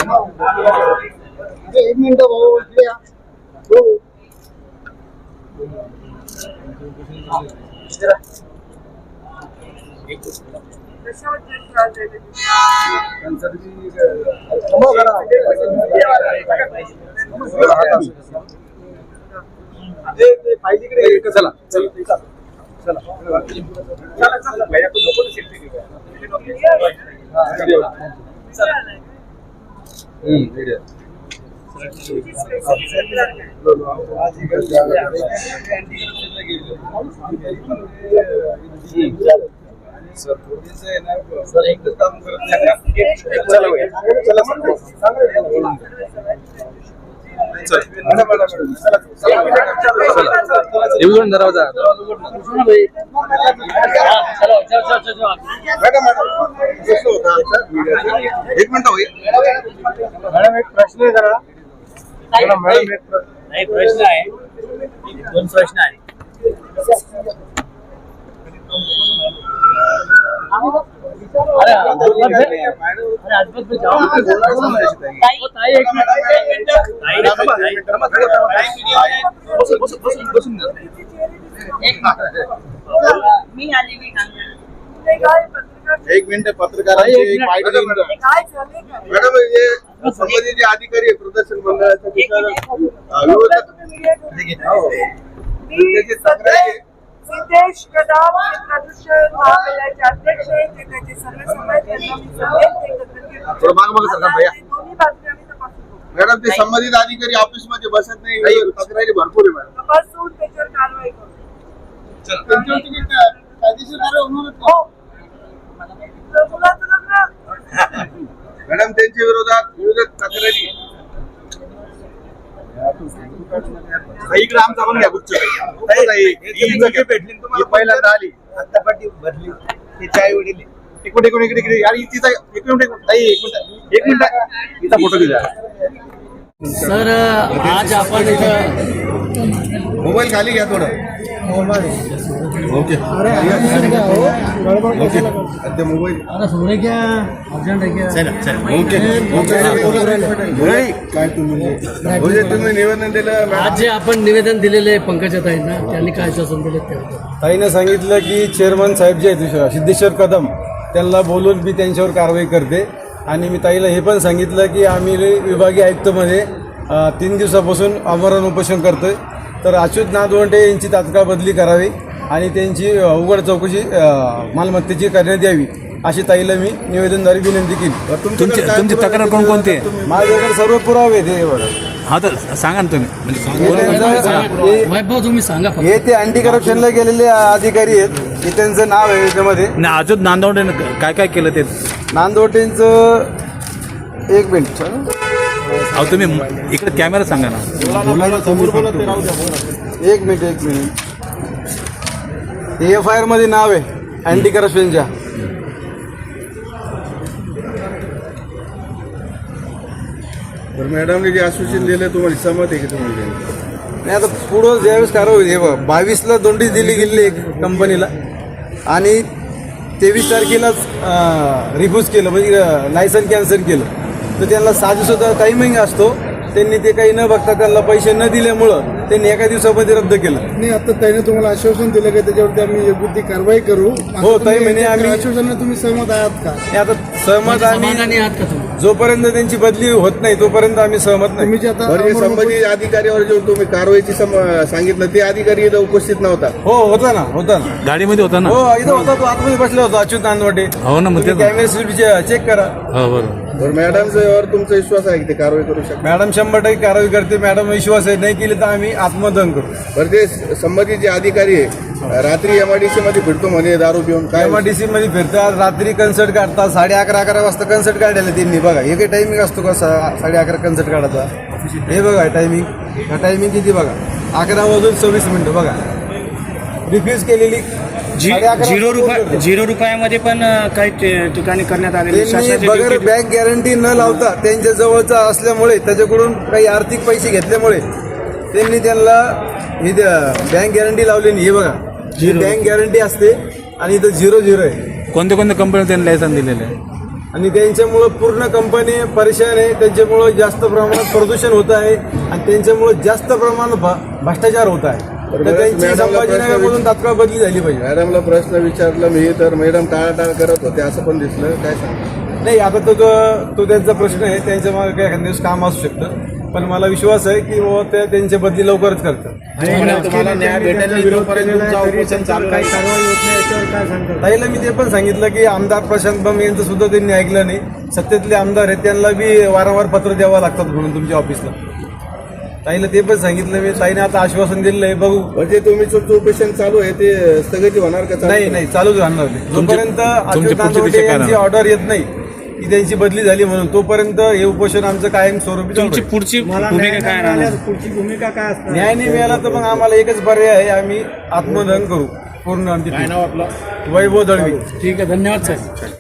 एक मिनिट भाऊ इकडे या. हो. चला चला चला सर एकच काम करत येऊन दरवाजा एक मिनिट मॅडम एक प्रश्न आहे जरा नाही प्रश्न आहे दोन प्रश्न आहे मी आलेली एक मिनिट पत्रकारांची मॅडम हे संबंधित अधिकारी प्रदर्शन सिद्धेश कदम प्रदूषण महामंडळाचे अध्यक्ष आहेत ते त्याचे सर्व मॅडम ते संबंधित अधिकारी ऑफिस मध्ये बसत नाही तक्रारी भरपूर आहे मॅडम बसून त्याच्यावर कारवाई करू मॅडम त्यांच्या विरोधात तक्रारी इकडे आमचा पण घ्या गुच्छ भेटली पहिल्यांदा आली आता पाठी भरली त्याच्या आई वडील एक मिनिट इकडे आणि तिचा एक मिनिट तिचा फोटो दिला सर आज आपण मोबाईल खाली घ्या थोडं ओके ओके मोबाईल सोने क्या अर्जंट है क्या ओके काय तुम्ही निवेदन दिलं आज जे आपण निवेदन दिलेले पंकजा ताईंना त्यांनी काय शासन दिले ते ताईनं सांगितलं की चेअरमन साहेब जे आहेत सिद्धेश्वर कदम त्यांना बोलून मी त्यांच्यावर कारवाई करते आणि मी ताईला हे पण सांगितलं की आम्ही विभागीय आयुक्तमध्ये 3 दिवसापासून आमरण उपोषण करतोय तर अच्युत नादवंडे यांची तात्काळ बदली करावी आणि त्यांची उघड चौकशी मालमत्तेची करण्यात यावी अशी ताईला मी निवेदनद्वारे विनंती केली. तुमची तक्रार कोणकोणती आहे? माझ्याकडे सर्व पुरावे आहेत. हा तर सांगा ना वैभव तुम्ही सांगा हे ते अँटी करप्शनला गेलेले अधिकारी आहेत हे त्यांचं नाव आहे याच्यामध्ये. नाही अजून नांदवडे काय काय केलं ते नांदवटेंचं एक मिनिट अहो तुम्ही इकडे कॅमेरा सांगा ना. एक मिनिट AFIR मध्ये नाव आहे अँटी करप्शनच्या. तर मॅडमने जे आश्वासन दिलं तुम्हाला सहमत आहे की तुम्ही नाही आता पुढं ज्यावेळेस कारवाई 22ला नोटीस दिली गेली कंपनीला आणि 23 तारखेलाच रिफ्यूज केलं म्हणजे लायसन कॅन्सल केलं तर त्यांना 6 दिवसाचा टायमिंग असतो. त्यांनी ते काही न बघता त्यांना पैसे न दिल्यामुळं त्यांनी एका दिवसामध्ये रद्द केलं. नाही आता त्याने तुम्हाला आश्वासन दिलं की त्याच्यावरती आम्ही योग्य ती कारवाई करू. हो ताई म्हणे आम्ही आश्वासनाला तुम्ही सहमत आहात का? आता सहमत समाधानी आहात का तुम्ही? जोपर्यंत त्यांची बदली होत नाही तोपर्यंत आम्ही सहमत नाही. तुम्ही जे आता संबंधित अधिकाऱ्यावर जे तुम्ही कारवाईची सांगितलं ते अधिकारी इथं उपस्थित नव्हता. हो होता ना गाडीमध्ये होता ना. हो इथं होता तो आतमध्ये बसला होता अच्युत नांदवटे. हो ना मग ते कॅमेरा चेक करा. हो बरोबर. मॅडमवर तुमचा विश्वास आहे की ते कारवाई करू शकतात? मॅडम 100% कारवाई करते. मॅडम विश्वास आहे नाही केली तर आम्ही आत्मदहन करू. बरं ते संबंधित जे अधिकारी आहे रात्री MIDC मध्ये फिरतो म्हणे दारू पिऊन काय MIDC मध्ये फिरतात रात्री कन्सर्ट काढतात 11:30 वाजता कन्सर्ट काढायला त्यांनी बघा हे काही टायमिंग असतो का 11:30 कन्सर्ट काढायचा. हे बघा टायमिंग किती बघा 11:26 बघा रिफ्यूज केलेली. 0 रुपयामध्ये पण काही ठिकाणी करण्यात आले. बगर बँक गॅरंटी न लावता त्यांच्या जवळचा असल्यामुळे त्याच्याकडून काही आर्थिक पैसे घेतल्यामुळे त्यांनी त्यांना ही बँक गॅरंटी लावली नाही. हे बघा बँक गॅरंटी असते आणि इथं 0 आहे. कोणत्या कंपनी त्यांनी लायसन दिलेलं आहे? आणि त्यांच्यामुळं पूर्ण कंपनी परेशान आहे. त्यांच्यामुळं जास्त प्रमाणात प्रदूषण होत आहे आणि त्यांच्यामुळं जास्त प्रमाणात भ्रष्टाचार होत आहे. तर त्यांची संभाजीनगरमधून तात्काळ बदली झाली पाहिजे. मॅडमला प्रश्न विचारला मी तर मॅडम टाळाटाळ करत होते असं पण दिसलं. काय सांग नाही, आता तो त्यांचा प्रश्न आहे. त्यांच्या मागे काही एखाद्या दिवस काम असू शकतं, पण मला विश्वास आहे की बाबा ते त्यांची बदली लवकरच करतात. तुम्हाला न्याय भेटेल नाही जोपर्यंत तुमचं ऑपरेशन चालू आहे. ताईला मी ते पण सांगितलं की आमदार प्रशांत बंब यांचं सुद्धा त्यांनी ऐकलं नाही. सत्तेतले आमदार आहेत, त्यांना बी वारंवार पत्र द्यावं लागतात म्हणून तुमच्या ऑफिसला. ताईला ते पण सांगितलं मी. ताईने आता आश्वासन दिलेलं आहे, बघू. म्हणजे तुम्ही ऑपरेशन चालू आहे ते स्थगिती होणार का? नाही, चालूच राहणार नाही. जोपर्यंत अच्युत नांदवटे यांची ऑर्डर येत नाही की त्यांची बदली झाली म्हणून, तोपर्यंत हे उपोषण आमचं कायम स्वरूपी चालू तुमची आहे. पुढची भूमिका काय राहणार? न्याय नाही मिळाला तर मग आम्हाला एकच पर्याय आहे, आम्ही आत्मदहन करू पूर्ण. आमची वैभव दळवी. ठीक आहे, धन्यवाद साहेब.